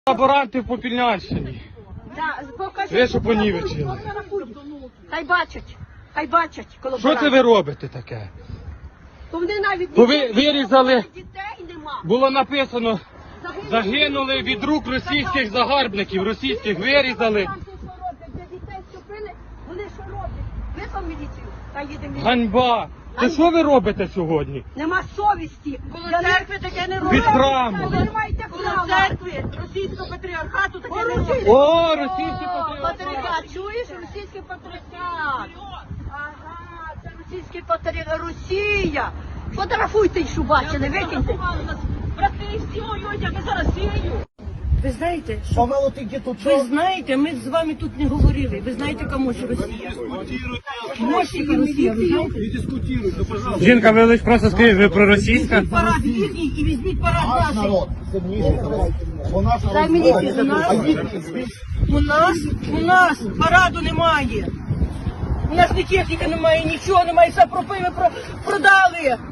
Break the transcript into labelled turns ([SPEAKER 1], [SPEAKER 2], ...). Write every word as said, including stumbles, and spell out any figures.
[SPEAKER 1] Лаборанти в Попільнянщині. Ви що понівечили?
[SPEAKER 2] Хай бачать, хай бачать
[SPEAKER 1] Що
[SPEAKER 2] колаборанти.
[SPEAKER 1] це ви робите таке?
[SPEAKER 2] То вони навіть
[SPEAKER 1] То ви вирізали,
[SPEAKER 2] дітей нема.
[SPEAKER 1] було написано, загинули від рук російських загарбників, російських вирізали.
[SPEAKER 2] Там що роблять, де дітей вступили, вони що роблять? Визвав міліцію, та їдемо.
[SPEAKER 1] Ганьба! Це що ви робите сьогодні?
[SPEAKER 2] Нема совісті.
[SPEAKER 3] Коло
[SPEAKER 2] Я не-
[SPEAKER 3] церкви таке не
[SPEAKER 1] Від
[SPEAKER 3] робить.
[SPEAKER 1] храму.
[SPEAKER 2] Ви не маєте
[SPEAKER 3] Коло
[SPEAKER 2] права.
[SPEAKER 3] церкви російського патріархату таке не робить.
[SPEAKER 1] О, російський патріот!
[SPEAKER 2] Патріархат, чуєш? Російський патріархат. Ага, це російський патріархат. Росія. Фотографуйте, що бачили, викиньте.
[SPEAKER 3] Брати, всі воюють, а ми за Росію.
[SPEAKER 4] Ви знаєте, що
[SPEAKER 5] Помилуйте, где тут
[SPEAKER 4] ви знаєте, ми з вами тут не говорили. Ви знаєте, кому ж Росія? Мощника Росія, ви знаєте?
[SPEAKER 1] Жінка, ви лише просто скажіть, ви проросійська?
[SPEAKER 4] Парад їхній і візьміть парад
[SPEAKER 5] наш
[SPEAKER 4] наших.
[SPEAKER 5] народ. Сильніше. Бо наш народ.
[SPEAKER 2] Дай мені
[SPEAKER 5] збройний.
[SPEAKER 2] пізнати.
[SPEAKER 5] А їхній збільш.
[SPEAKER 4] У нас, у нас параду немає. У нас ні техніки немає, нічого немає, все пропили, про, продали.